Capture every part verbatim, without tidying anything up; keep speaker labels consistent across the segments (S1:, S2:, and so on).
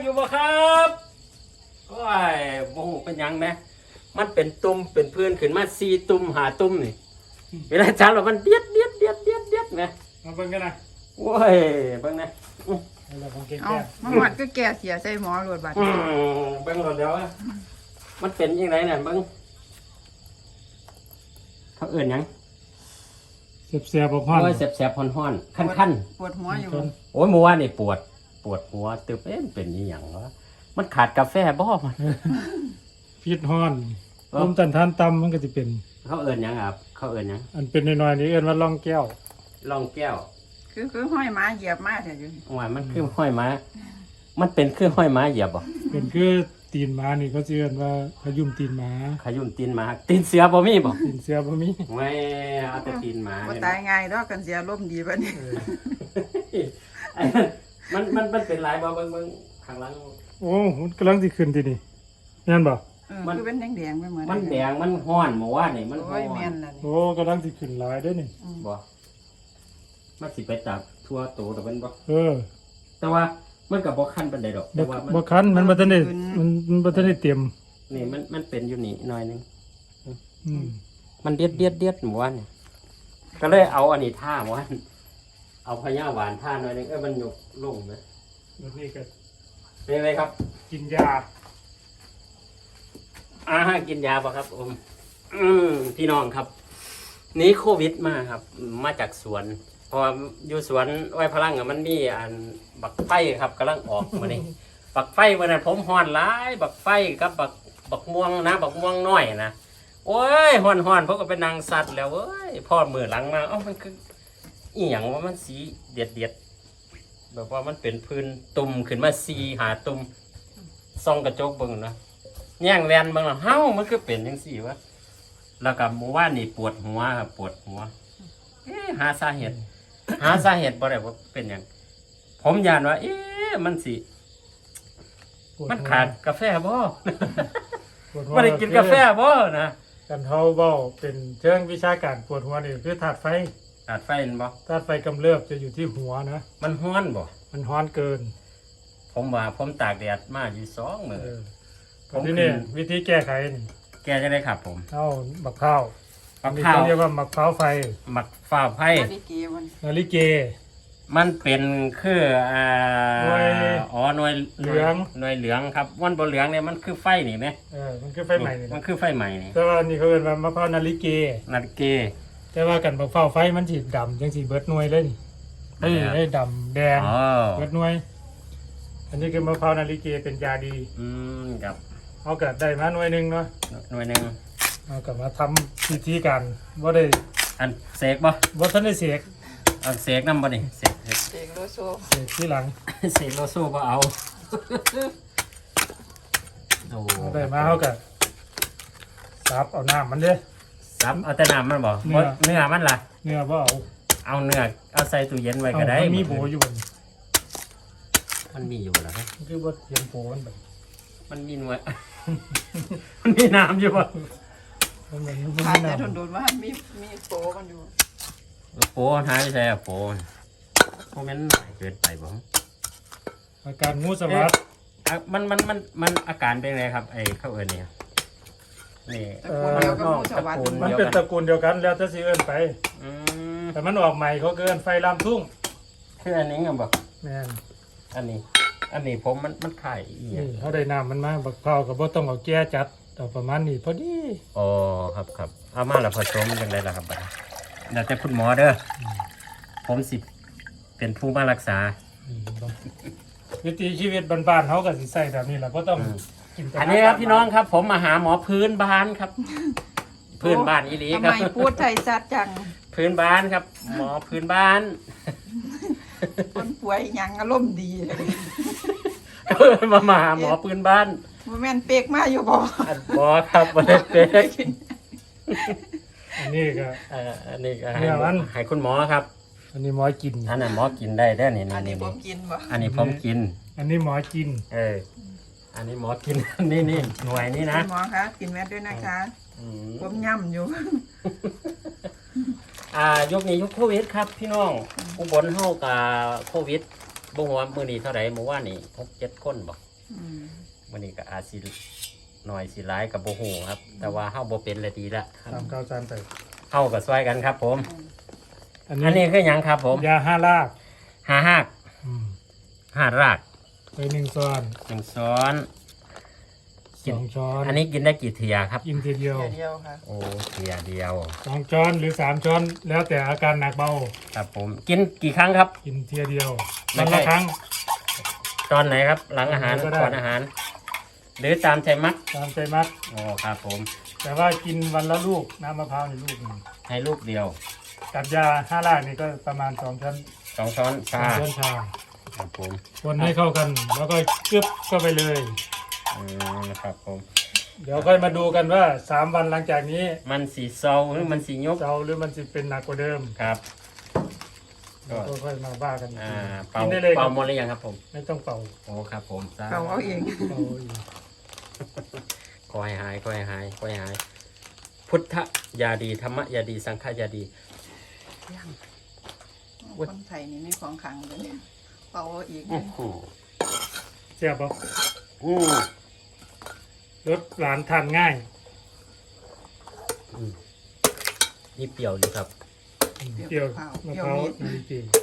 S1: อยู่บ่ครับโอ้ยโมโหเป็นยังไหมมันเป็นตุ่มเป็นพื้นขึ้นมาสี่ตุ่มหาตุ่มนี่เวลาจับแล้วมันเดียดเดียดเดียดเดียดเดียดไหม
S2: มาเบิ่งกันนะ
S1: โอ้ยเบิ่งนะ
S3: เอามาหวัดก็แก่เสียใส่หมอรวดบัด
S1: เบิ่งรถเดี๋ยวมันเป็นยังไงเนี่ยเบิ่งเขาเอื่นยัง
S2: เสียบๆบ่ฮ้อน
S1: โอ้ยแสบๆฮ้อนๆคัน
S3: ๆปวดหัวอยู่
S1: โอ้ยเมื่อวานนี่ปวดปวดหัวตึบเอ๊ะเป็นอีหยังวะมันขาดกาแฟบ่มัน
S2: พิษฮ้อนลมตันทานต่ำมันก็สิเป็น
S1: เขาเอื่นยังครับเขาเอื่นยัง
S2: อันเป็นน้อยๆนี่เอิ้นว่าร่องแก้ว
S1: ร่องแก้ว
S3: คือคือห้อยม้าเหยียบม้าแท้อยู่
S1: ว่ามันคือห้อยม้ามันเป็นคือห้อยม้าเหยียบบ่
S2: เป็นคือตีนม้านี่เขาสิเอิ้นว่าขยุ่มตีนม้า
S1: ขยุ่มตีนม้าตีนเสือบ่มีบ่
S2: ตีนเสือบ่มี
S1: ไม่เอาแต่ตีนม้า
S3: บ่ตายง่ายดอกกันเสียลมดีบัดนี้
S1: มันมันมันเป็นหลายบ่เบิ่งเบิ่งข้างหลัง
S2: โอ้มันกำลังสิขึ้นทีนี่แม่นบ่
S3: มันคือเป็นแดงๆไปเหมือน
S1: มันแดงมันฮ้อนเมื่อวานนี่มันฮ้อนโอ้ย
S3: แม่นล่ะนี่
S2: โอ้กำลังสิขึ้นหลายเด้อนี่
S1: บ่มันสิไปจับทั่วโตแต่มันบ่
S2: เออ
S1: แต่ว่ามันก็บ่คันปานใดดอกแต่ว่า
S2: มันบ่คันมันบ่ทันได้มันมันบ่ทันได้เต็ม
S1: นี่มันมันเป็นอยู่นี่หน่อยนึง
S2: อืม
S1: มันเดียดเดียดเดียดหมู่ว่านนี่ก็เลยเอาอันนี้ท่าหมู่ว่านเอาพญาหวานท่าหน่อยนึงเอ้ยมันยกลงมั้ย
S2: แล้วนี่ก็
S1: เป็นไงครับ
S2: กินยา
S1: อ่ากินยาป่ะครับผมอืมพี่น้องครับนี้โควิดมาครับมาจากสวนพออยู่สวนไว้พลังอ่ะมันมีอันบักไฟครับกำลังออกมานี่บักไฟวันนั้นผมฮ้อนหลายบักไฟกับบักบักม่วงนะบักม่วงน้อยนะโอ้ยฮ้อนฮ้อนเพราะก็เป็นนางสัตว์แล้วเว้ยพ่อมือหลังมาเอ้ามันคืออีหยังว่ามันสีเดียดเดียดแบบว่ามันเป็นพื้นตุ่มขึ้นมาสีหาตุ่มส่องกระจกเบิ่งนะแย่งแวนเบิ่งแล้วเฮ้ามันคือเป็นจังซี่วะแล้วก็เมื่อวานนี่ปวดหัวครับปวดหัวเอ๊ะหาสาเหตุหาสาเหตุบ่ได้ว่าเป็นหยังผมยานว่าเอ๊ะมันสิมันขาดกาแฟบ่บ่ได้กินกาแฟบ่นะ
S2: กันเฮาเว้าเป็นเชิงวิชาการปวดหัวนี่คือธาตุไฟ
S1: ธาตุไฟนั่นบ่
S2: ธาตุไฟกำเริบจะอยู่ที่หัวนะ
S1: มันร้อนบ่
S2: มันร้อนเกิน
S1: ผมว่าผมตากแดดมาอยู่สองมื้อ
S2: ผมนี่วิธีแก้ไขนี่
S1: แก้จะได้ครับผม
S2: เอาบักข้าว
S1: บักข้าว
S2: เรียกว่าบักข้าวไฟ
S1: บักฟ้าไฟ
S3: นาฬิกามัน
S2: นาฬิกา
S1: มันเป็นคืออ่าอ๋อหน่วย
S2: เหลือง
S1: หน่วยเหลืองครับวันบ่เหลืองเนี่ยมันคือไฟนี่แม่
S2: เออมันคือไฟใหม่นี่
S1: มันคือไฟใหม่นี่
S2: แต่ว่านี่เขาเรียกว่ามะพร้าวนาฬิกา
S1: นาฬิกา
S2: แต่ว่ากันบักข้าวไฟมันสิดำจังสิเบิดหน่วยเลยนี่เอ้ยได้ดำแดงเบิดหน่วยอันนี้คือมะพร้าวนาฬิกาเป็นยาดี
S1: อืมครับ
S2: เอากลับได้มาหน่วยนึงเนาะ
S1: หน่วยนึง
S2: เอากลับมาทำพิธีการบ่ได้
S1: อันเสกบ่
S2: บ่ทันได้เสก
S1: อันเสกนำบ่นี่เสก
S3: เสกโลโซ
S2: เสกที่หลัง
S1: เสกโลโซบ่เอาโอ้
S2: ได้มาเฮาก็ซับเอาน้ำมันเด้
S1: ซับเอาแต่น้ำมันบ่เนื้อมันล่ะ
S2: เนื้อบ่เอา
S1: เอาเนื้อเอาใส่ตู้เย็นไว้ก็ได้
S2: มันมีโบอยู่บ่
S1: มันมีอยู่แล้วครับ
S2: คือบ่เตรียมโบมันแบบ
S1: มันมีหน่วยมันมีน้ำอยู่ป่ะ
S3: มันขาดแต่โดนๆว่ามีมีโปมันอยู่
S1: โปหายไปใช่โปโปมันหน่อยเกินไปบ่
S2: อาการงูสวัสด
S1: มันมันมันมันอาการเป็นไงครับไอ้ข้าวเอิญเนี่ยนี่
S2: มันเป็นตระกูลเดียวกันแล้วถ้าสิเอิญไปแต่มันออกใหม่เขาเกินไฟลามทุ่ง
S1: คืออันนี้ไงบอก
S2: แม่น
S1: อันนี้อันนี้ผมมันมันไข่
S2: นี่เขาได้น้ำมันมาบักเผากับบ่ต้องเอาแก้จัดเอาประมาณนี้พอดี
S1: อ๋อครับครับเอามาแล้วผสมยังไงล่ะครับเดี๋ยวจะคุณหมอเด้อผมสิเป็นผู้มารักษา
S2: วิถีชีวิตบ้านๆเขาก็สิใส่แบบนี้แหละก็ต้อง
S1: กินอันนี้ครับพี่น้องครับผมมาหาหมอพื้นบ้านครับพื้นบ้านอีหลีครับ
S3: ทำไมพูดไทยชัดจัง
S1: พื้นบ้านครับหมอพื้นบ้าน
S3: คนป่วยยังอารมณ์ดี
S1: มามาหาหมอพื้นบ้าน
S3: บ่แม่นเป๊กมาอยู่บ่
S1: บ่ครับบ่ได้เป๊ก
S2: อันนี้ก็
S1: อันนี้ก็ให้คุณหมอครับ
S2: อันนี้หมอกิน
S1: อันนั้นหมอกินได้ได้นี่
S3: อันนี้ผมกินบ่
S1: อันนี้ผมกิน
S2: อันนี้หมอกิน
S1: เอออันนี้หมอกินนี่นี่หน่วยนี่นะ
S3: หมอคะกินแม่ด้วยนะคะผมย่ำอยู่
S1: อ่ายกนี้ยกโควิดครับพี่น้องอุบลเฮากับโควิดบ่ฮู้ว่ามื้อนี้เท่าไหร่เมื่อวานนี้หก เจ็ดคนบ่
S3: อืม
S1: วันนี้ก็อาจสิหน่อยสิร้ายกับโบหูครับ แต่ว่าเฮาบ่เป็นเลยดีละ
S2: ตามข้าวสารไป
S1: เฮากับซอยกันครับ ผม
S2: อัน
S1: อันนี้
S2: นี้
S1: คือหยังครับ ผม
S2: ยาห้าราก
S1: ห้าหัก
S2: อืม
S1: ห้าราก
S2: ไปหนึ่งช้อน
S1: หนึ่งช้อน
S2: สองช้อน
S1: อันนี้กินได้กี่เทียครับ
S2: กินทีเดียว
S3: เดี๋ยวเดียวค่ะ
S1: โอ้เทียเดียว
S2: สองช้อนหรือสามช้อนแล้วแต่อาการหนักเบา
S1: ครับผมกินกี่ครั้งครับ
S2: กินเทียเดียว
S1: ไม่
S2: วัน
S1: ใช่
S2: ละครั้ง
S1: ตอนไหนครับ หลังอาหาร
S2: ก็ได้
S1: ก่อนอาหาร หรือตามใจมัก
S2: ตามใจมัด
S1: โอ้ครับผม
S2: แต่ว่ากินวันละลูกน้ำมะพร้าวในลูกหนึ่ง
S1: ให้ลูกเดียว
S2: กับยาห้ารากนี่ก็ประมาณสองช้อน
S1: สองช้อน
S2: สอ
S1: ชาง
S2: ช้อนชา
S1: ครับผม
S2: คนให้เข้ากัน แล้วก็กึบเข้าไปเลย
S1: อืมครับผม
S2: เดี๋ยวค่อยมาดูกันว่าสามวันหลังจากนี้
S1: มันสีเซาหรือมันสียุบ
S2: เซาหรือมันจะเป็นหนักกว่าเดิม
S1: ครับ
S2: เราก็ค่อยมาว่ากันอีก
S1: อ่า
S2: ที
S1: เป่า
S2: กินได้เลยค
S1: เป่า
S2: รับ
S1: หมดหรือยังครับผม
S2: ไม่ต้องเป่า
S1: โอ้ครับผมสา
S3: เราเอาเอง
S2: เป่าอีก
S1: คอยหายคอยหายคอยหาย พุทธยาดีธรรมยาดีสังฆยาดี
S3: คนไทยนี่ไม่ของขังเลยเป่าเอาอีก
S1: โอ้โห
S2: เสียบปะ
S1: อืม
S2: รสหวานทานง่าย
S1: นี่เปรี้ยวดีครับ
S2: เปรี้ยว
S3: เป
S2: มะ
S3: รี้ยว
S2: พร้าว
S3: นิด
S2: นาฬิก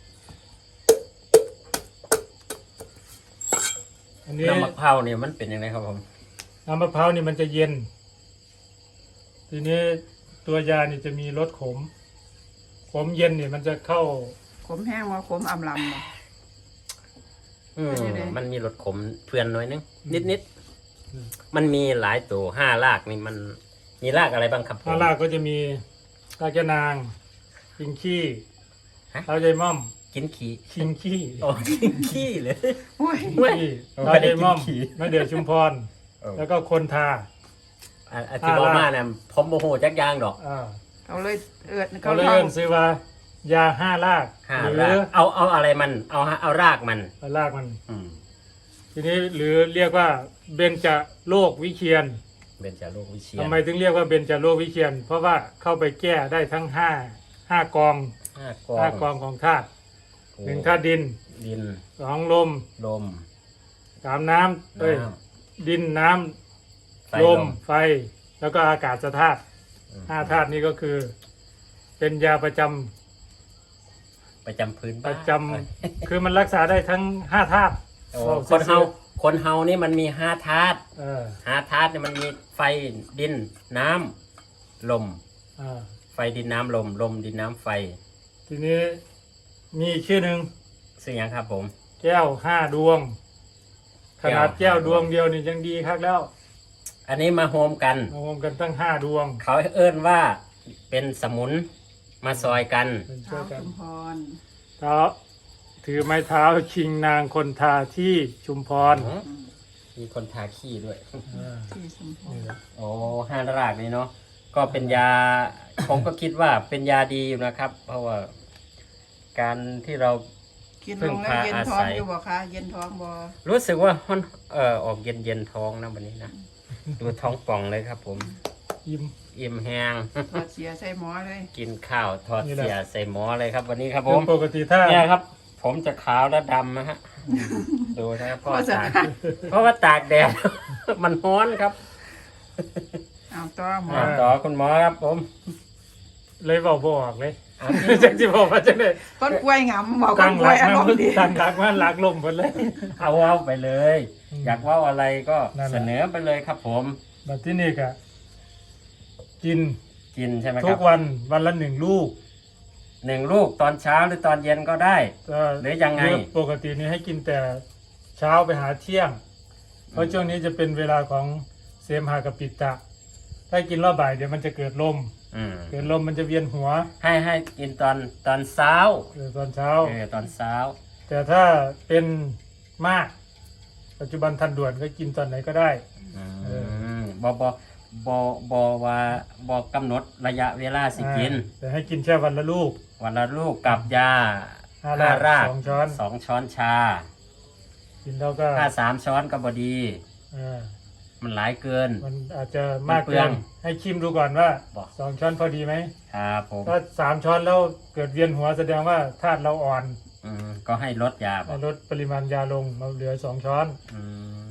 S2: อันนี้
S1: น้ำมะพร้าวเนี่ยมันเป็นยังไงครับผม
S2: น้ำมะพร้าวนี่มันจะเย็น ทีนี้ตัวยานี่จะมีรสขม ขมเย็นนี่มันจะเข้า
S3: ขมแห้งว่าขมอำลำบ่
S1: อืม
S3: เป็นยังไง
S1: มันมีรสขมเพื่อนหน่อยนึง นิดนิด
S2: อืม
S1: ๆมันมีหลายตัวห้ารากนี่มันมีรากอะไรบ้างครับผม
S2: ข้างล่างก็จะมีรากยะนางคิงขี้
S1: ฮะ
S2: เท้าใจม่อม
S1: กินขี้
S2: คิงขี้
S1: โอ้กินขี้เลย
S3: โอ้ย
S1: เว้ย
S2: ขี้
S1: เอา
S2: เท้า
S1: ไป
S2: ใจม่อม
S1: กินขี้
S2: มะเดื่อชุมพร
S1: เออ
S2: แล้วก็คนทา
S1: อ่ะอาทิบอมาเนี่ยผมโมโหจักอยางดอก
S2: อ่า
S3: เขาเลยเอิด
S2: เขาเลย
S3: ท่อง
S2: เอิ้นซื้อว่ายาห้าราก
S1: ห้า
S2: หรื
S1: ราก
S2: อ
S1: เอาเอาอะไรมัน เอาฮะเอารากมัน
S2: รากมัน
S1: อืม
S2: ทีนี้หรือเรียกว่าเบญจโรควิเชียน
S1: เป็นจาโรควิเชีย
S2: ทำ
S1: น
S2: ไมถึงเรียกว่าเบญจโรควิเชียน เพราะว่าเข้าไปแก้ได้ทั้งห้าห้ากอง
S1: ห้ากอง
S2: ห้ากองของธาตุ
S1: โอ้
S2: หนึ่งธาตุดิน
S1: ดิน
S2: สองลม
S1: ลม
S2: สามน้ำเอ้ย
S1: น้
S2: ดินน้ำ
S1: ำไฟ
S2: ล
S1: ล
S2: ม
S1: ม
S2: ไฟแล้วก็อากาศธาตุ
S1: อืม
S2: ห้าธาตุนี้ก็คือ เป็นยาประจำ
S1: ประจำพื้น
S2: ป
S1: บ้าน
S2: ระจำคือมันรักษาได้ทั้งห้าธาตุ
S1: โอ้
S2: บอก
S1: คนเฮา
S2: ซื่อ
S1: คนเฮานี่มันมีห้าธาตุ
S2: เออ
S1: ห้าธาตุเนี่ยมันมีไฟดินน้ำลม
S2: อ่า
S1: ไฟดินน้ำลม ลมดินน้ำไฟ
S2: ทีนี้มีอีกชื่อหนึ่ง
S1: ซึ่งยังครับผม
S2: แก้วห้าดวง ขนาด
S1: แก้
S2: แก้ว
S1: ว
S2: ดวงเดียวนี่ยังดีครับแล้ว
S1: อันนี้มาโฮมกัน
S2: รวมกันตั้งห้าดวง
S1: เขาเอิ้นว่าเป็นสมุนมาซอยกัน
S2: เป็นช่
S3: เท้า
S2: วยกัน
S3: ชุมพร
S2: เท้าถือไม้เท้าชิงนางคนทาที่ชุมพร
S3: อืม
S1: มีคนทาขี้ด้วย
S2: อ่า
S3: ที่ชุมพร
S2: นี่แหละ
S1: โอ้ห้ารากนี่เนาะ ก็เป็นยา ผมก็คิดว่าเป็นยาดีอยู่นะครับ เพราะว่า การที่เรา
S3: กิน
S1: พึ่
S3: ล
S1: ง
S3: งแล้ว
S1: พา
S3: เย็น
S1: อา
S3: ท้อ
S1: ศั
S3: ง
S1: ย
S3: อยู่บ่คะเย็นท้องบ่
S1: รู้สึกว่าฮอนเอ่อออกเย็นเย็นๆท้องนะวันนี้นะ ดูท้องป่องเลยครับผม
S2: ยิ้ม
S1: อิ่มแห้ง
S3: ถอดเสียใส่หมอเลย
S1: กินข้าวทอด
S2: นี่แหละ
S1: เสียใส่หมอเลยครับ วันนี้ครับผ
S2: คือ
S1: ม
S2: ปกติถ้า
S1: เนี่ยครับ ผมจะขาวและดำนะฮะ ดูนะครับเพราะว่า
S3: โฆษ
S1: ตาก
S3: ณา
S1: เพราะว่าตากแดด มันร้อนครับ
S3: เอาต่อหมอ
S1: อ่าต่อคุณหมอครับผม
S2: เลยบอกบออกเลย
S1: อ่ะ
S2: จังที่บอกว่าจะได้
S3: ก้นกล้วยงำบอกก้
S2: ตั้
S3: น
S2: ง
S3: กล้
S2: รั
S3: วย
S2: ก
S3: อาร
S2: มาม
S3: ณ์ดี
S2: ตั้งรักมาหลักลมหมดเลย
S1: เอาเว้าไปเลย
S2: อืม
S1: อยากเว่าอะไรก็
S2: นั่นแหละ
S1: เสนอไปเลยครับผม
S2: แบบที่นี่ก็กิน
S1: กินใช่ไหมค
S2: ทุ
S1: รั
S2: ก
S1: บ
S2: วันวันละหนึ่งลูก
S1: หนึ่งลูกตอนเช้าหรือตอนเย็นก็ได้
S2: ก็
S1: หรือยังไง
S2: ปกตินี้ให้กินแต่เช้าไปหาเที่ยง เพราะช่วงนี้จะเป็นเวลาของเสมหะกับปิตตะ ถ้ากินรอบบ่ายเดี๋ยวมันจะเกิดลม
S1: อืม
S2: เกิดลมมันจะเวียนหัว
S1: ให้ให้กินตอนตอนเช้า
S2: เกิดตอนเช้า
S1: เออตอนเช้า
S2: แต่ถ้าเป็นมาก ปัจจุบันทันด่วนก็กินตอนไหนก็ได้
S1: อื
S2: เอ
S1: มบอบอบอบอว่าบอกำหนดระยะเวลาสิกิน
S2: อ่าแต่ให้กินแค่วันละลูก
S1: วันละลูกกับยา
S2: ห้าราก
S1: ราก
S2: สองช้อน
S1: สองช้อนชา
S2: กินแล้วก็
S1: ถ้าสามช้อนก็บดี
S2: เออ
S1: มันหลายเกิน
S2: มันอาจจะมาก
S1: มันเปลื
S2: เกิ
S1: อง
S2: นให้ชิมดูก่อนว่า
S1: บอก
S2: สองช้อนพอดีไหม
S1: ครับผม
S2: ถ้าสามช้อนแล้วเกิดเวียนหัวแสดงว่าธาตุเราอ่อน
S1: อืมก็ให้ลดยาบอ
S2: ให้
S1: ก
S2: ลดปริมาณยาลงมาเหลือสองช้อน
S1: อืม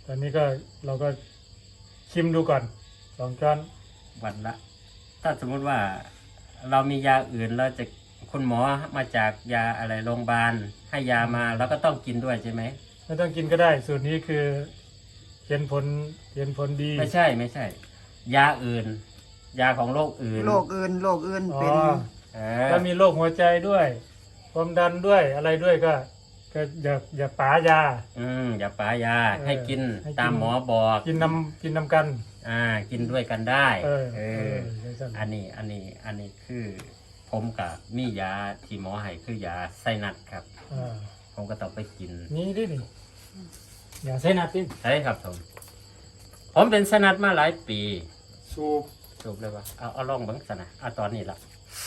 S2: ตอนนี้ก็เราก็ชิมดูก่อนสองช้อน
S1: วันละ ถ้าสมมุติว่าเรามียาอื่นเราจะคุณหมอมาจากยาอะไรโรงพยาบาลให้ยามาเราก็ต้องกินด้วยใช่ไหม
S2: ไม่ต้องกินก็ได้สูตรนี้คือเห็นผลเห็นผลดี
S1: ไม่ใช่ไม่ใช่ ยาอื่น ยาของโรคอื่น
S3: โรคอื่นโรคอื่น
S2: อ๋อ
S3: เป็น
S1: เอ
S2: ถ้า
S1: อ
S2: มีโรคหัวใจด้วยความดันด้วยอะไรด้วยก็ ก็อย่าอย่าป๋ายา
S1: อืมอย่าป๋ายา
S2: เออ
S1: ให้กิน
S2: ให้กิน
S1: ตามหมอบอก
S2: กินน้ำกินน้ำกัน
S1: อ่า กินด้วยกันได้
S2: เออ
S1: เอ
S2: เอ
S1: อ
S2: อจังซั่น
S1: อันนี้อันนี้อันนี้คือผมกับมียาที่หมอให้คือยาไซนัสครับ
S2: อ่า
S1: ผมก็ต้องไปกิน
S2: นี่ดินี่อย่าใส่นัดดิ
S1: ใช่ครับผมผมเป็นไซนัสมาหลายปี
S2: สูบ
S1: จบเลยว่าเอาเอาลองเบังสนะเอาตอนนี้ละ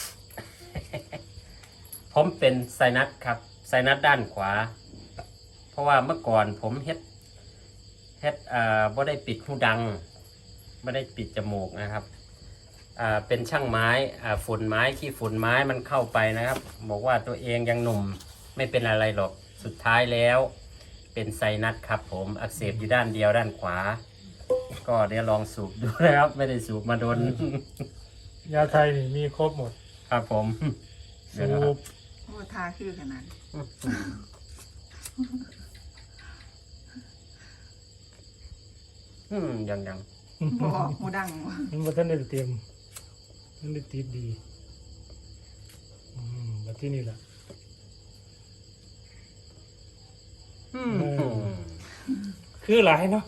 S1: ผมเป็นไซนัสครับไซนัสด้านขวา เพราะว่าเมื่อก่อนผมเฮ็ดเฮ็ดอ่าบ่ได้ปิดหูดังไม่ได้ปิดจมูกนะครับอ่าเป็นช่างไม้อ่าฝุ่นไม้ขี้ฝุ่นไม้มันเข้าไปนะครับ บอกว่าตัวเองยังหนุ่มไม่เป็นอะไรหรอกสุดท้ายแล้ว เป็นไซนัสครับ ผมอักเสบอยู่ด้านเดียวด้านขวา ก็เดี๋ยวลองสูบดูนะครับ ไม่ได้สูบมาโดน
S2: ยาไทยนี่มีครบหมด
S1: ครับผม
S2: สูบ
S3: โอ้ทาคือขนาด
S1: อืมยังยัง
S3: บ่ออกหูดังบ่
S2: มันบ่ทันได้เตรียมมันได้ติดดีอืมแบบที่นี่แหละ
S1: อืม
S2: เออ คือหลายเนาะ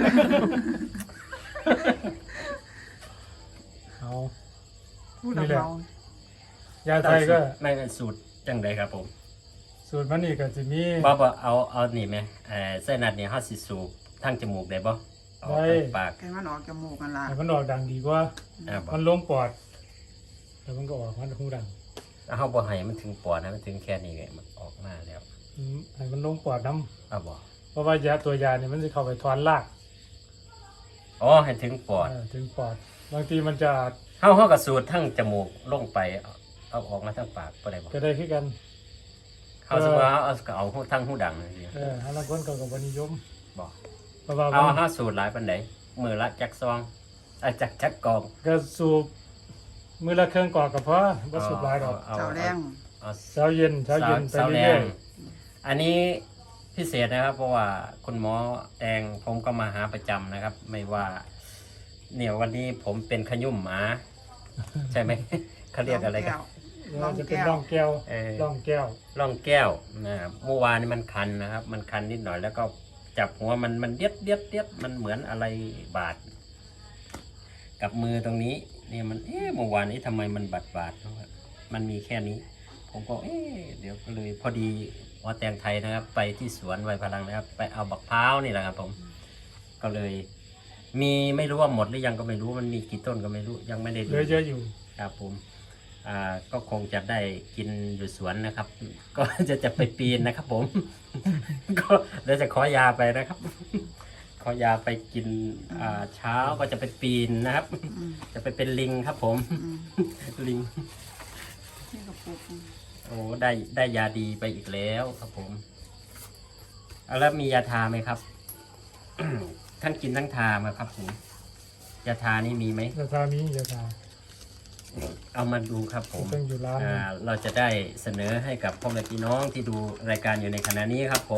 S2: เอา
S3: พูดเราเมาย
S2: าไทยก็
S1: ไม่เป็นสูตรจังไดครับผม
S2: สูตรมันนี่ก็จะมี
S1: บ่บ่เอาเอานี่ไหมเอ่อไส้นัดนี่เฮาสิสูบทางจมูกได้บ่เอาทางปาก
S3: แกมันออกจมูกกันละ
S2: แต่มันออกดังดีกว่า
S1: อ่าบ่
S2: มันลงปอดแล้วมันก็ออกมันหูดัง
S1: เฮาบ่ให้มันถึงปอดนะมันถึงแค่นี้ไงมันออกมาแล้ว
S2: อืมให้มันลงปอดน้
S1: เอาบ่
S2: ำเพราะว่ายาตัวยาเนี่ยมันจะเข้าไปทอนราก
S1: อ๋อให้ถึงปอด
S2: เออถึงปอด บางทีมันจะ
S1: เฮาเฮาก็สูดทางจมูกลงไปเอาเอาออกมาทางปากบ่ได้บ่
S2: ก็ได้ขึ้นกัน
S1: เฮาสิว่าเอาก็เอาทางหูดังนี่สิ
S2: เออฮาลางคนเขาก็บนิยม
S1: บ่
S2: เพราะว่า
S1: เอา
S2: มัน
S1: เฮาสูดหลายปานใดมื้อละจักซองอ่ะจักจักกอง
S2: ก็สูบมือละเครื่องกอกกับเพราะก็สูบหลายดอก
S1: เอา
S3: เจ้าแรง
S1: เอา
S2: เช้าเย็นเช้าเย็นไป
S1: สาวแร
S2: เรื่อย
S1: งอันนี้พิเศษนะครับ เพราะว่าคุณหมอแดงผมก็มาหาประจำนะครับ ไม่ว่า เนี่ยวันนี้ผมเป็นขยุ่มหมา ใช่ไหม เขาเรียกอะไรกัน
S2: ๆเราจะเป็นร่องแก้ว
S1: เออ
S2: ร่องแก้ว
S1: ร่องแก้วนะครับเมื่อวานนี้มันคันนะครับ มันคันนิดหน่อยแล้วก็จับหัวมันมันเดียดเดียดเดียดมันเหมือนอะไรบาด กับมือตรงนี้เนี่ยมันเอ๊ะเมื่อวานนี้ทำไมมันบาดบาดๆมันมีแค่นี้ ผมก็เอ๊ะเดี๋ยวก็เลยพอดีหมอแตงไทยนะครับ ไปที่สวนไวพลังนะครับ ไปเอาบักพร้าวนี่แหละครับ ผม ก็เลย มีไม่รู้ว่าหมดหรือยังก็ไม่รู้มันมีกี่ต้นก็ไม่รู้ยังไม่ได้
S2: เห
S1: ดู
S2: ลือเยอะอยู่
S1: ครับผม อ่าก็คงจะได้กินอยู่สวนนะครับ ก็จะจะไปปีนนะครับ ผม ก็เดี๋ยวจะขอยาไปนะครับ ขอยาไปกินอ่าเช้าก็จะไปปีนนะครับ
S3: อืม
S1: จะไปเป็นลิงครับ ผม
S3: อืม
S1: ลิง
S3: นี่ก็ปลูก
S1: โอ้ได้ได้ยาดีไปอีกแล้วครับผมเอาแล้วมียาทาไหมครับ ทั้งกินทั้งทาไหมครับผมยาทานี่มีไหม
S2: ยาทามียาทา
S1: เอามาดูครับผม
S2: ต้องอยู่ร้าน
S1: อ่าเราจะได้เสนอให้กับพ่อแม่พี่น้องที่ดูรายการอยู่ในขณะนี้ครับผม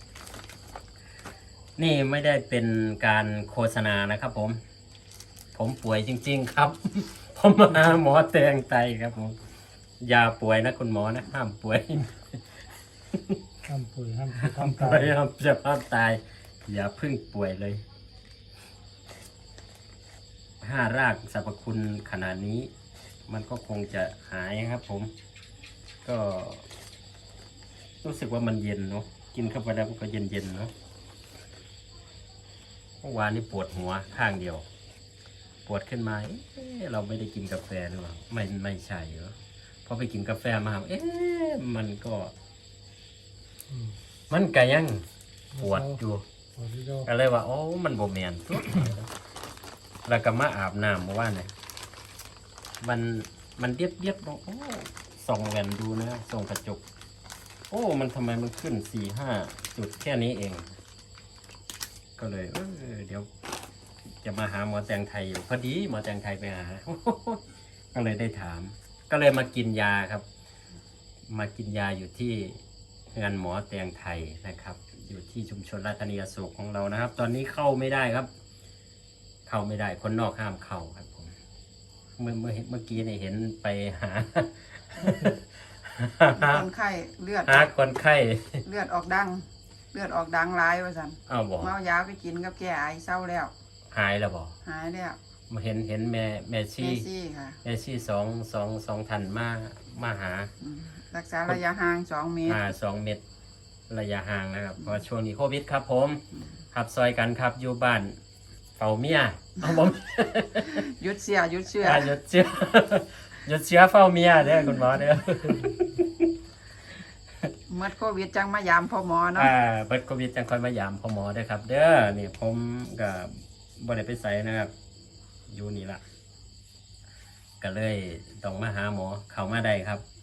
S1: นี่ไม่ได้เป็นการโฆษณานะครับผม ผมป่วยจริง ๆ ครับ ผมมาหาหมอแตงไตครับผมอย่าป่วยนะคุณหมอนะห้ามป่วย
S2: ห้ามปุ๋ยห้าม
S1: ห้า
S2: ห้าม ม
S1: ป่
S2: ตา
S1: วย ยห้ามจะห้ามตาย อย่าเพึ่งป่วยเลย ห้ารากสรรพคุณขนาดนี้ มันก็คงจะหายครับผม ก็ รู้สึกว่ามันเย็นเนาะกินเข้าไปแล้วมันก็เย็นเย็นๆเนาะเมื่อวานนี้ปวดหัวข้างเดียว ปวดขึ้นมาเอ๊ะเราไม่ได้กินกาแฟหรือเปล่าไม่ไม่ใช่เหรอพอไปกินกาแฟมาเอ๊ะมันก็
S2: อืม
S1: มันก็ยังปวดอยู่
S2: ปวดที่เรา
S1: ก็เลยว่าโอ้มันโบแมนตัวแล้วก็มาอาบน้ำเมื่อวานเนี่ยมันมันเดียดเดียดบอกโอ้ส่องแหวนดูนะส่องกระจก โอ้มันทำไมมันขึ้นสี่ห้าจุดแค่นี้เอง กก็เลยเออเดี๋ยวจะมาหาหมอแตงไทยอยู่พอดีหมอแตงไทยไปหา ก็เลยได้ถาม ก็เลยมากินยาครับ มากินยาอยู่ที่งานหมอแตงไทยนะครับ อยู่ที่ชุมชนราชธานีอโศกของเรานะครับ ตอนนี้เข้าไม่ได้ครับ เข้าไม่ได้คนนอกห้ามเข้าครับผมเมื่อเมื่อเมื่อกี้เนี่ยเห็นไปหา
S3: คนไข้เลือด
S1: หาคนไข้
S3: เลือดออกดัง เลือดออกดังร้ายว่าซั่น
S1: อ้าวบอก
S3: เมายาไปกินกับแก้ไอเศร้าแล้ว
S1: หายแล้วบอก
S3: หายแล้ว
S1: มาเห็นเห็นแม่แม่
S3: เม
S1: ชี่
S3: ซี่ค่ะ
S1: แม่ชี่สองสองสองทันมามาหา
S3: อืมรักษาระยะห่างสองเมตร
S1: อ่าสองเมตรระยะห่างนะครับเพราะว่าช่วงนี้โควิดครับผมขับซอยกันครับอยู่บ้านเฝ้าเมียเอาผม
S3: หยุดเสียหยุดเชื่อ
S1: อ่าหยุดเชื้อ หยุดเชื้อเฝ้าเมียเด้อคุณหมอเด้อ
S3: เมื่อโควิดจังมายามพ่อหมอเนาะ
S1: อ่าเบิดโควิดจังคอยมายามพ่อหมอเด้อครับ เด้อนี่ผมก็บ่ได้ไปไสนะครับ อยู่นี่ล่ะก็เลยต้องมาหาหมอเข้ามาได้ครับ